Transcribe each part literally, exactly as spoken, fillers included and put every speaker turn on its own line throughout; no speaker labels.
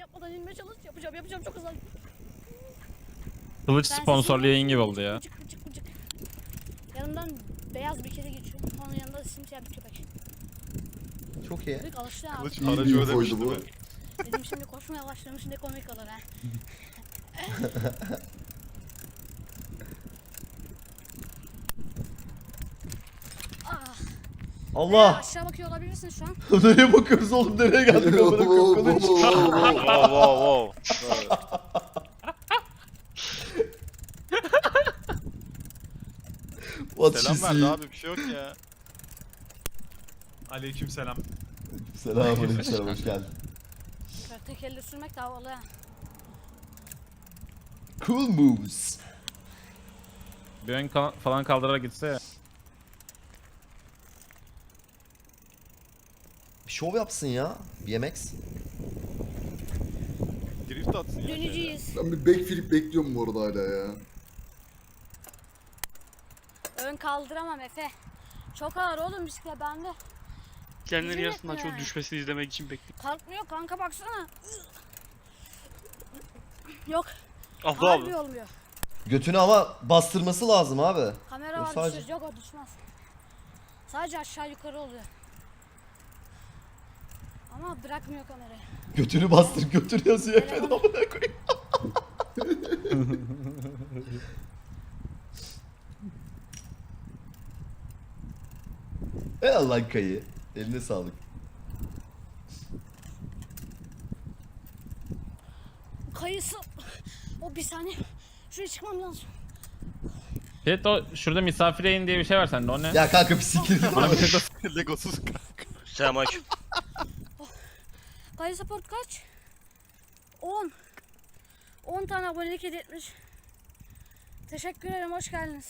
yapmadan inmeye çalış. Yapacağım yapacağım çok hızlı.
Kılıç
Ben
sponsorlu
sesimi-
yayın gibi oldu ya.
Bıcık bıcık bıcık. Yanımdan beyaz bir kedi geçiyor. Onun yanında simsiyah bir köpek.
Çok iyi.
Büyük alıştı abi.
Kılıç
İyi
aracı
bir
ödemiş
infoydu
değil
bu.
mi?
Dedim şimdi koşmaya başlamış şimdi komik olur ha. Ah,
Allah!
aşağı bakıyor olabilirsin şu an.
Nereye bakıyoruz oğlum? Nereye geldik amına koyayım? Kılıç.
Wow wow wow.
What
Selam
you
verdi
see?
abi bir şey yok ya.
Aleykümselam.
Selamünaleyküm, hoş geldin.
Şöyle tek elle sürmek de havalı ha.
Cool moves.
Bir ön ka- falan kaldırarak gitse ya.
Bir şov yapsın ya. B M X.
Drift atsın ya.
Döneceğiz.
Ben bir backflip bekliyorum bu arada hala ya.
Ön kaldıramam Efe. Çok ağır oğlum bisiklet bende.
Kendinin
Üzüm
yarısından
etme
çok
yani.
düşmesini izlemek için bekliyorum.
Kalkmıyor kanka baksana. Yok
Abla
harbi
abi.
olmuyor.
Götünü ama bastırması lazım abi.
Kamera
Yok,
var
sadece-
düşürüz. Yok o düşmez. Sadece aşağı yukarı oluyor. Ama bırakmıyor kamerayı.
Götünü bastır, götür yazıyor efendim
Telefonu-
amına koyayım. Ey Allah kayı. Eline sağlık.
Kayısı. O bir saniye. Şuraya çıkmam lazım.
Evet o şurada misafir yayın diye bir şey var sende o ne?
Ya kanka bir sikir git.
Bana bir tıkla.
Legosuz kanka.
Selamünaleyküm.
Kayı support kaç? on. on tane abonelik hediye etmiş. Teşekkür ederim, hoş geldiniz.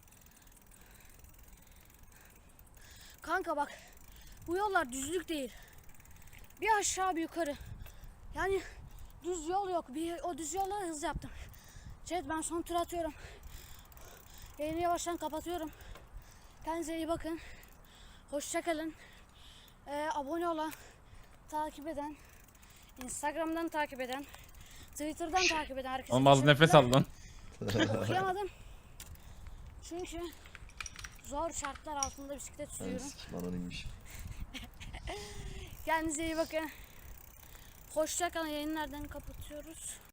Kanka bak, bu yollar düzlük değil. Bir aşağı bir yukarı. Yani düz yol yok. Bir, o düz yolla hız yaptım. Chat ben son tur atıyorum. Yayını yavaştan kapatıyorum. Kendinize iyi bakın. Hoşçakalın. Ee, abone olan, takip eden, Instagram'dan takip eden, Twitter'dan takip eden herkese
Oğlum az nefes
teşekkürler.
al lan.
Okuyamadım. Çünkü zor şartlar altında bisiklet
Ben
sürüyorum.
sikim anonimmiş.
Kendinize iyi bakın. Hoşçakalın. Yayınlardan kapatıyoruz.